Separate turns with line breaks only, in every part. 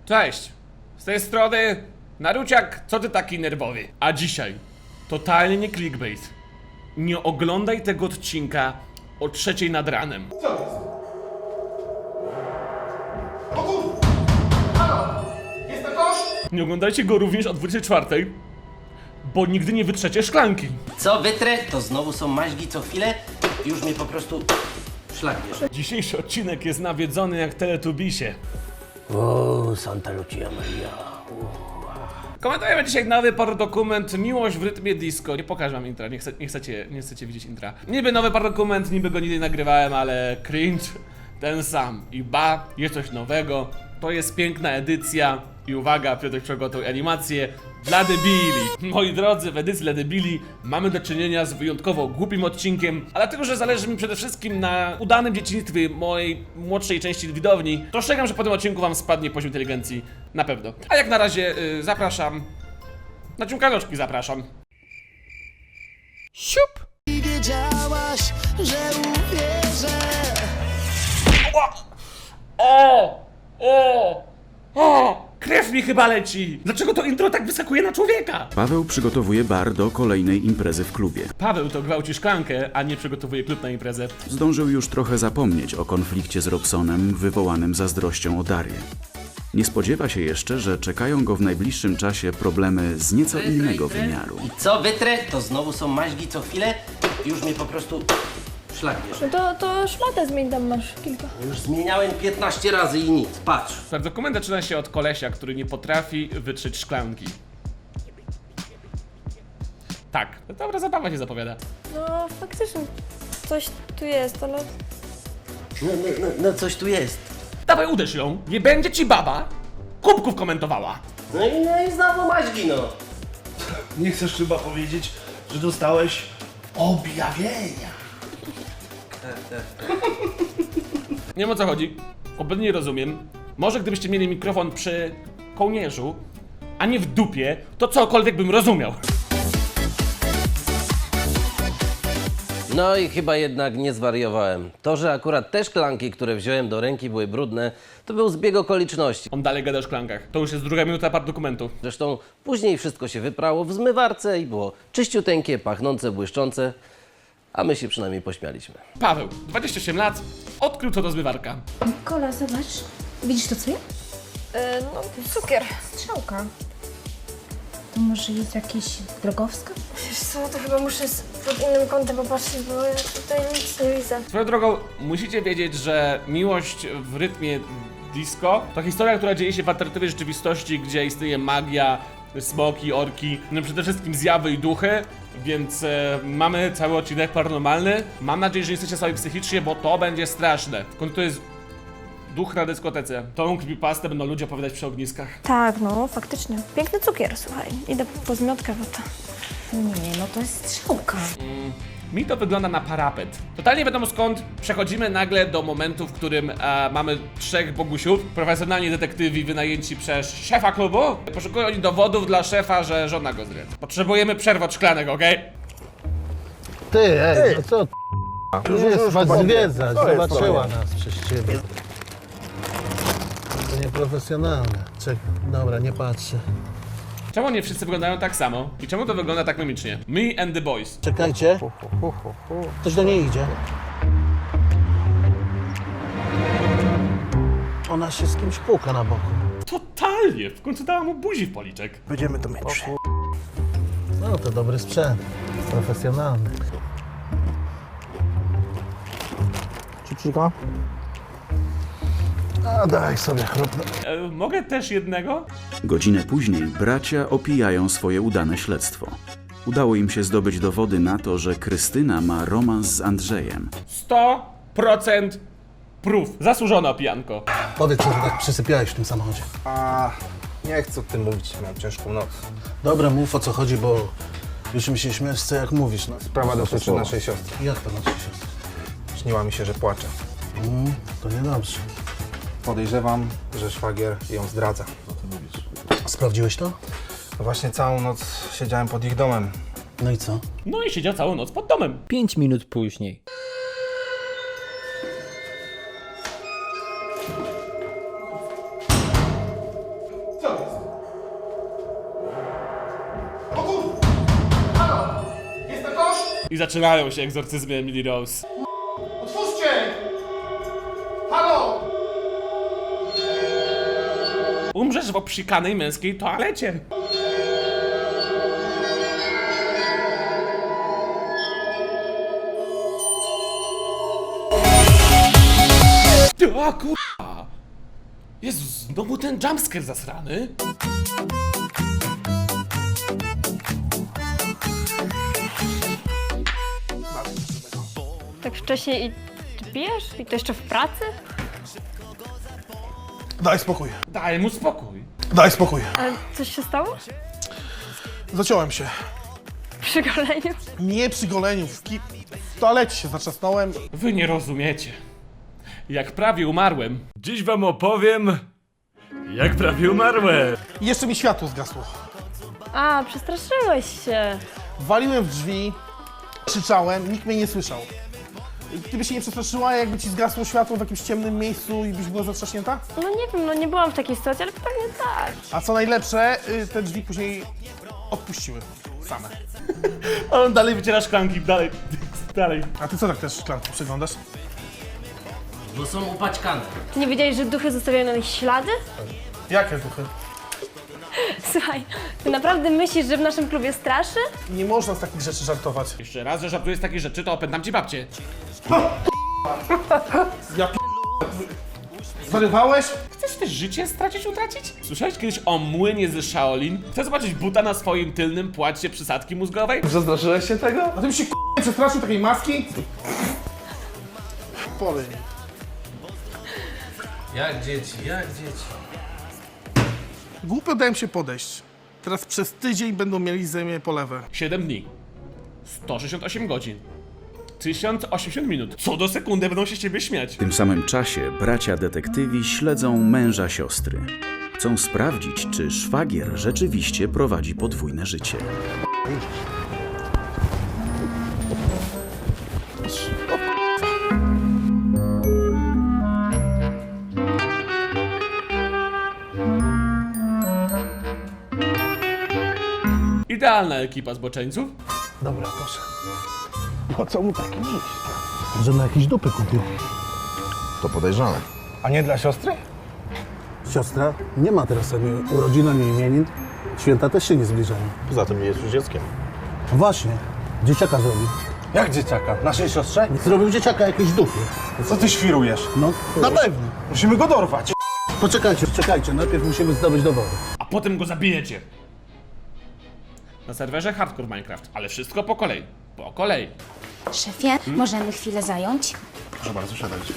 Cześć! Z tej strony Naruciak, co ty taki nerwowy? A dzisiaj, totalnie nie clickbait. Nie oglądaj tego odcinka o 3 nad ranem.
Co jest? O kur... Halo! Jest to kosz?
Nie oglądajcie go również o 24, bo nigdy nie wytrzecie szklanki.
Co wytrę, to znowu są maźgi co chwilę i już mnie po prostu szlak bierze.
Dzisiejszy odcinek jest nawiedzony jak Teletubisie.
O, Santa Lucia Maria.
Komentujemy dzisiaj nowy dokument Miłość w rytmie disco. Nie pokażę wam intra, nie chcecie widzieć intra. Niby nowy dokument, niby go nigdy nie nagrywałem, ale cringe ten sam. I ba, jest coś nowego. To jest piękna edycja. I uwaga, Piotr przygotował animację dla debili. Moi drodzy, w edycji dla debili mamy do czynienia z wyjątkowo głupim odcinkiem, a dlatego, że zależy mi przede wszystkim na udanym dzieciństwie mojej młodszej części widowni, to ostrzegam, że po tym odcinku wam spadnie poziom inteligencji. Na pewno. A jak na razie zapraszam. Na ciumkanoczki zapraszam. Siup!
Wiedziałaś, że uwierzę.
O! Krew mi chyba leci! Dlaczego to intro tak wyskakuje na człowieka?
Paweł przygotowuje bar do kolejnej imprezy w klubie.
Paweł to gwałci szklankę, a nie przygotowuje klub na imprezę.
Zdążył już trochę zapomnieć o konflikcie z Robsonem wywołanym zazdrością o Darię. Nie spodziewa się jeszcze, że czekają go w najbliższym czasie problemy z nieco innego wymiaru.
I co wytrę, to znowu są maźgi co chwilę i już mnie po prostu szlak bierze.
No to szmatę zmień, tam masz kilka.
Już zmieniałem 15 razy i nic, patrz.
Dokument zaczyna się od kolesia, który nie potrafi wytrzeć szklanki. Tak, dobra zabawa się zapowiada.
No faktycznie coś tu jest, ale...
No coś tu jest.
Dawaj uderz ją, nie będzie ci baba kubków komentowała.
No i znowu maźgi, no.
Nie chcesz chyba powiedzieć, że dostałeś objawienia.
Nie wiem o co chodzi, kompletnie nie rozumiem. Może gdybyście mieli mikrofon przy kołnierzu, a nie w dupie, to cokolwiek bym rozumiał.
No i chyba jednak nie zwariowałem. To, że akurat te szklanki, które wziąłem do ręki, były brudne, to był zbieg okoliczności.
On dalej gada o szklankach. To już jest druga minuta dokumentu.
Zresztą później wszystko się wyprało w zmywarce i było czyściuteńkie, pachnące, błyszczące, a my się przynajmniej pośmialiśmy.
Paweł, 28 lat, odkrył co to zmywarka.
Kola, zobacz. Widzisz to, co ja?
No cukier.
Strzałka. To może jest jakiś drogowskaz?
Wiesz co, to chyba muszę pod innym kątem popatrzeć, bo ja tutaj nic nie widzę.
Swoją drogą, musicie wiedzieć, że Miłość w rytmie disco to historia, która dzieje się w alternatywnej rzeczywistości, gdzie istnieje magia, smoki, orki, no przede wszystkim zjawy i duchy, więc mamy cały odcinek paranormalny. Mam nadzieję, że nie jesteście sami psychicznie, bo to będzie straszne. W końcu to jest duch na dyskotece. Tą creepypastę będą ludzie opowiadać przy ogniskach.
Tak, no faktycznie. Piękny cukier, słuchaj. Idę po zmiotkę, bo to...
Nie, no to jest strzałka.
Mi to wygląda na parapet. Totalnie wiadomo skąd przechodzimy nagle do momentu, w którym mamy 3 bogusiów, profesjonalni detektywi wynajęci przez szefa klubu. Poszukują oni dowodów dla szefa, że żona go zdradza. Potrzebujemy przerwy od szklanek, okej?
Ty, no co ty? Już jest was zwiedzać, zobaczyła nas przez ciebie. To nieprofesjonalne. Czekaj, dobra, nie patrzę.
Czemu nie wszyscy wyglądają tak samo? I czemu to wygląda tak mimicznie? Me and the boys.
Czekajcie. Ktoś do niej idzie. Ona się z kimś puka na boku.
Totalnie! W końcu dała mu buzi w policzek.
Będziemy to mieć.
No to dobry sprzęt. Profesjonalny.
Czucika? A daj sobie chrupnę.
Mogę też jednego?
Godzinę później bracia opijają swoje udane śledztwo. Udało im się zdobyć dowody na to, że Krystyna ma romans z Andrzejem.
100% proof. Zasłużona pijanko.
Powiedz, co ty tak przysypiałeś w tym samochodzie.
A nie chcę o tym mówić, miałem ciężką noc.
Dobra, mów o co chodzi, bo już mi się śmiesz, co jak mówisz. No.
Sprawa dotyczy naszej siostry.
Jak to naszej siostry?
Śniła mi się, że płacze.
To niedobrze.
Podejrzewam, że szwagier ją zdradza.
Sprawdziłeś to?
No właśnie całą noc siedziałem pod ich domem.
No i co?
No i siedział całą noc pod domem.
5 minut później.
Co jest? O kur... Halo! Jest to kosz?
I zaczynają się egzorcyzmy Emily Rose.
Otwórzcie! Halo!
Umrzesz w obsikanej męskiej toalecie. A kurwa! Jezus, znowu ten jumpscare zasrany.
Tak wcześnie i ty pijesz? I to jeszcze w pracy?
Daj spokój.
Daj mu spokój.
Daj spokój.
Ale coś się stało?
Zaciąłem się.
Przy goleniu?
Nie przy goleniu, w toalecie się zatrzasnąłem.
Wy nie rozumiecie. Jak prawie umarłem. Dziś wam opowiem, jak prawie umarłem.
I jeszcze mi światło zgasło.
A, przestraszyłeś się.
Waliłem w drzwi, krzyczałem, nikt mnie nie słyszał. Ty byś się nie przestraszyła, jakby ci zgasło światło w jakimś ciemnym miejscu i byś była zatrzaśnięta?
No nie wiem, no nie byłam w takiej sytuacji, ale pewnie tak.
A co najlepsze, te drzwi później odpuściły same.
A on dalej wyciera szklanki, dalej.
A ty co tak też szklanki przeglądasz?
Bo są upaćkane.
Ty nie wiedziałeś, że duchy zostawiają na nich ślady?
Jakie duchy?
Słuchaj, ty naprawdę myślisz, że w naszym klubie straszy?
Nie można z takich rzeczy żartować.
Jeszcze raz, że żartujesz z takich rzeczy, to opętam ci babcię.
Ja Zwariowałeś?
Chcesz też życie stracić, utracić? Słyszałeś kiedyś o młynie ze Shaolin? Chcesz zobaczyć buta na swoim tylnym płacie przysadki mózgowej?
Zastraszyłeś się tego? A ty byś się przestraszył takiej maski? Polej.
Jak dzieci, jak dzieci.
Głupio dałem się podejść. Teraz przez tydzień będą mieli ze mnie polewę.
7 dni. 168 godzin. 1080 minut. Co do sekundy będą się z ciebie śmiać.
W tym samym czasie bracia detektywi śledzą męża siostry. Chcą sprawdzić, czy szwagier rzeczywiście prowadzi podwójne życie.
Idealna ekipa zboczeńców.
Dobra, proszę. Po co mu taki dziś? Że na jakieś dupy kupił.
To podejrzane.
A nie dla siostry?
Siostra nie ma teraz ani urodzin, ani imienin. Święta też się nie zbliżają.
Poza tym nie jest już dzieckiem.
Właśnie. Dzieciaka zrobił.
Jak dzieciaka? Naszej siostrze?
Zrobił dzieciaka jakieś dupy.
Co ty świrujesz?
No,
Na pewno. Musimy go dorwać.
Poczekajcie, czekajcie. Najpierw musimy zdobyć dowody.
A potem go zabijecie. Na serwerze Hardcore Minecraft, ale wszystko po kolei. Po kolei.
Szefie, możemy chwilę zająć?
Proszę bardzo, siadajcie.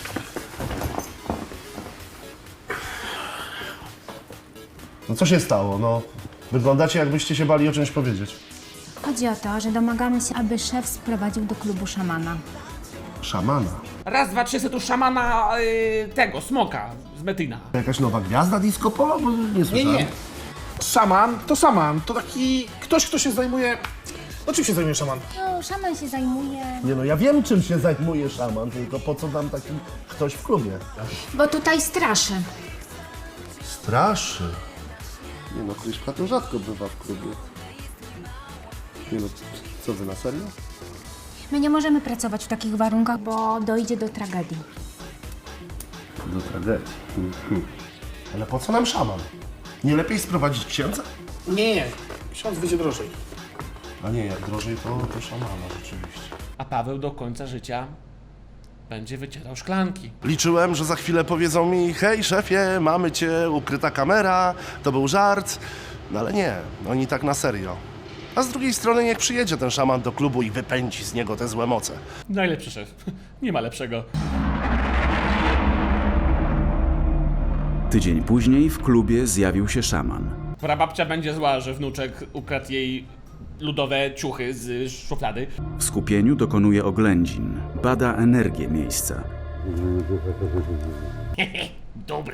No co się stało? No, wyglądacie jakbyście się bali o czymś powiedzieć.
Chodzi o to, że domagamy się, aby szef sprowadził do klubu szamana.
Szamana.
Raz, dwa, trzy, tu szamana tego, smoka z Metina.
Jakaś nowa gwiazda disco polo? Bo nie słyszałem.
Szaman to szaman. To taki ktoś, kto się zajmuje... No czym się zajmuje szaman?
No, szaman się zajmuje...
Nie no, ja wiem czym się zajmuje szaman, tylko po co nam taki ktoś w klubie?
Bo tutaj straszy.
Straszy. Nie no, Kryszka to rzadko bywa w klubie. Nie no, co wy, na serio?
My nie możemy pracować w takich warunkach, bo dojdzie do tragedii.
Do tragedii. Ale po co nam szaman? Nie lepiej sprowadzić księdza?
Nie. Ksiądz wyjdzie drożej.
A nie, jak drożej to szamana rzeczywiście.
A Paweł do końca życia będzie wycierał szklanki.
Liczyłem, że za chwilę powiedzą mi: hej szefie, mamy cię, ukryta kamera, to był żart. No ale nie, oni tak na serio. A z drugiej strony niech przyjedzie ten szaman do klubu i wypędzi z niego te złe moce.
Najlepszy szef. Nie ma lepszego.
Tydzień później w klubie zjawił się szaman.
Prababcia będzie zła, że wnuczek ukradł jej ludowe ciuchy z szuflady.
W skupieniu dokonuje oględzin, bada energię miejsca.
Dobre.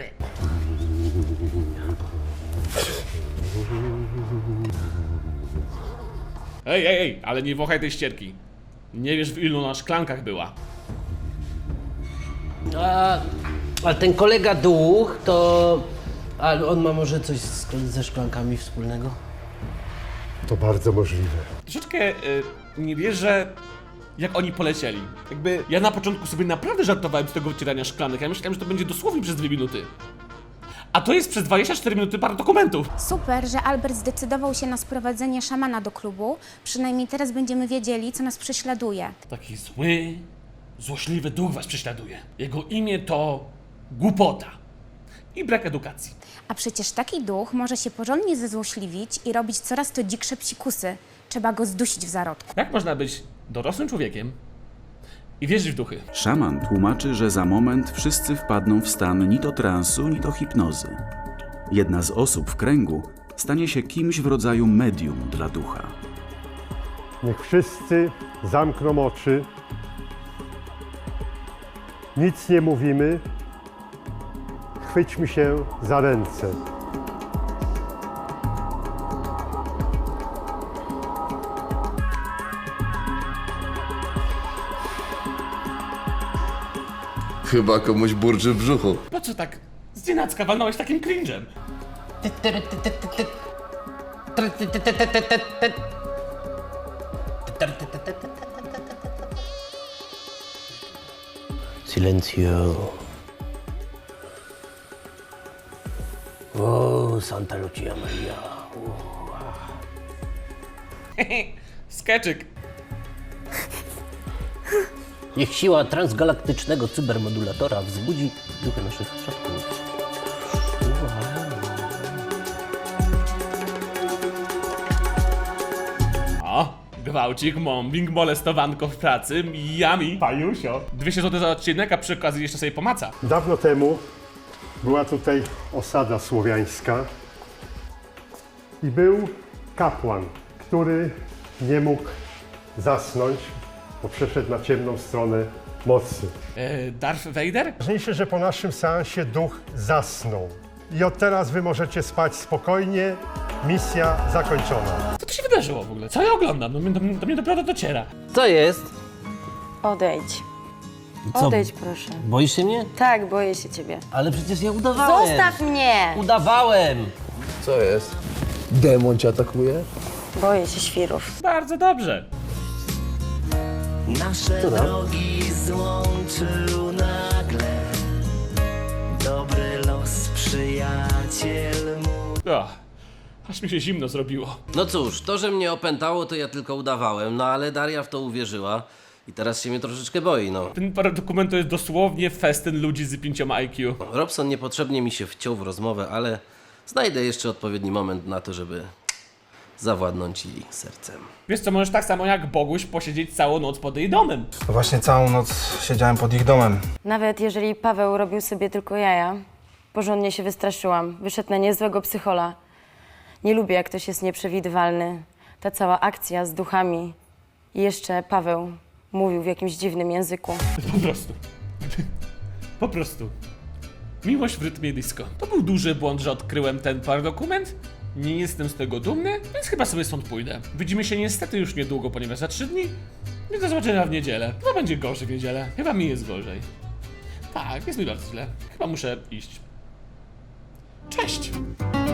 Ej, ale nie wąchaj tej ścierki. Nie wiesz, w ilu na szklankach była.
Ale ten kolega duch to Ale on ma może coś ze szklankami wspólnego?
To bardzo możliwe.
Troszeczkę nie wierzę, jak oni polecieli. Jakby ja na początku sobie naprawdę żartowałem z tego wycierania szklanek. Ja myślałem, że to będzie dosłownie przez 2 minuty. A to jest przez 24 minuty parę dokumentów.
Super, że Albert zdecydował się na sprowadzenie szamana do klubu. Przynajmniej teraz będziemy wiedzieli, co nas prześladuje.
Taki zły, złośliwy duch was prześladuje. Jego imię to głupota i brak edukacji.
A przecież taki duch może się porządnie zezłośliwić i robić coraz to dziksze psikusy. Trzeba go zdusić w zarodku.
Jak można być dorosłym człowiekiem i wierzyć w duchy?
Szaman tłumaczy, że za moment wszyscy wpadną w stan ni to transu, ni to hipnozy. Jedna z osób w kręgu stanie się kimś w rodzaju medium dla ducha.
Niech wszyscy zamkną oczy. Nic nie mówimy. Chwyćmy się za ręce.
Chyba komuś burczy w brzuchu.
Po co tak znienacka walnąłeś takim cringe'em?
Silencio. O, Santa Lucia Maria.
Skeczyk.
Niech siła transgalaktycznego cybermodulatora wzbudzi duchy naszych przodków.
O, gwałcik, mobbing, molestowanko w pracy, yummy. Pajusio. 200 zł za odcinek, a przy okazji jeszcze sobie pomaca.
Dawno temu była tutaj osada słowiańska i był kapłan, który nie mógł zasnąć, bo przeszedł na ciemną stronę mocy.
Darth Vader?
Ważniejsze, że po naszym seansie duch zasnął. I od teraz wy możecie spać spokojnie. Misja zakończona.
Co tu się wydarzyło w ogóle? Co ja oglądam? Do mnie dopiero dociera.
Co jest?
Odejdź.
Co?
Odejdź, proszę.
Boisz się mnie?
Tak, boję się ciebie.
Ale przecież ja udawałem.
Zostaw mnie!
Udawałem!
Co jest? Demon cię atakuje?
Boję się świrów.
Bardzo dobrze.
Nasze drogi złączył nagle dobry los, przyjaciel mój.
Aż mi się zimno zrobiło.
No cóż, to, że mnie opętało, to ja tylko udawałem, no ale Daria w to uwierzyła i teraz się mnie troszeczkę boi, no.
Ten paradokument to jest dosłownie festyn ludzi z 5 IQ.
Robson niepotrzebnie mi się wciął w rozmowę, ale znajdę jeszcze odpowiedni moment na to, żeby zawładnąć jej sercem.
Wiesz co, możesz tak samo jak Boguś posiedzieć całą noc pod jej domem.
Właśnie całą noc siedziałem pod ich domem.
Nawet jeżeli Paweł robił sobie tylko jaja, porządnie się wystraszyłam. Wyszedł na niezłego psychola. Nie lubię, jak ktoś jest nieprzewidywalny. Ta cała akcja z duchami. I jeszcze Paweł mówił w jakimś dziwnym języku.
Po prostu. Po prostu. Miłość w rytmie disco. To był duży błąd, że odkryłem ten paradokument. Nie jestem z tego dumny, więc chyba sobie stąd pójdę. Widzimy się niestety już niedługo, ponieważ za 3 dni. Więc do zobaczenia w niedzielę. Chyba będzie gorzej w niedzielę. Chyba mi jest gorzej. Tak, jest mi bardzo źle. Chyba muszę iść. Cześć!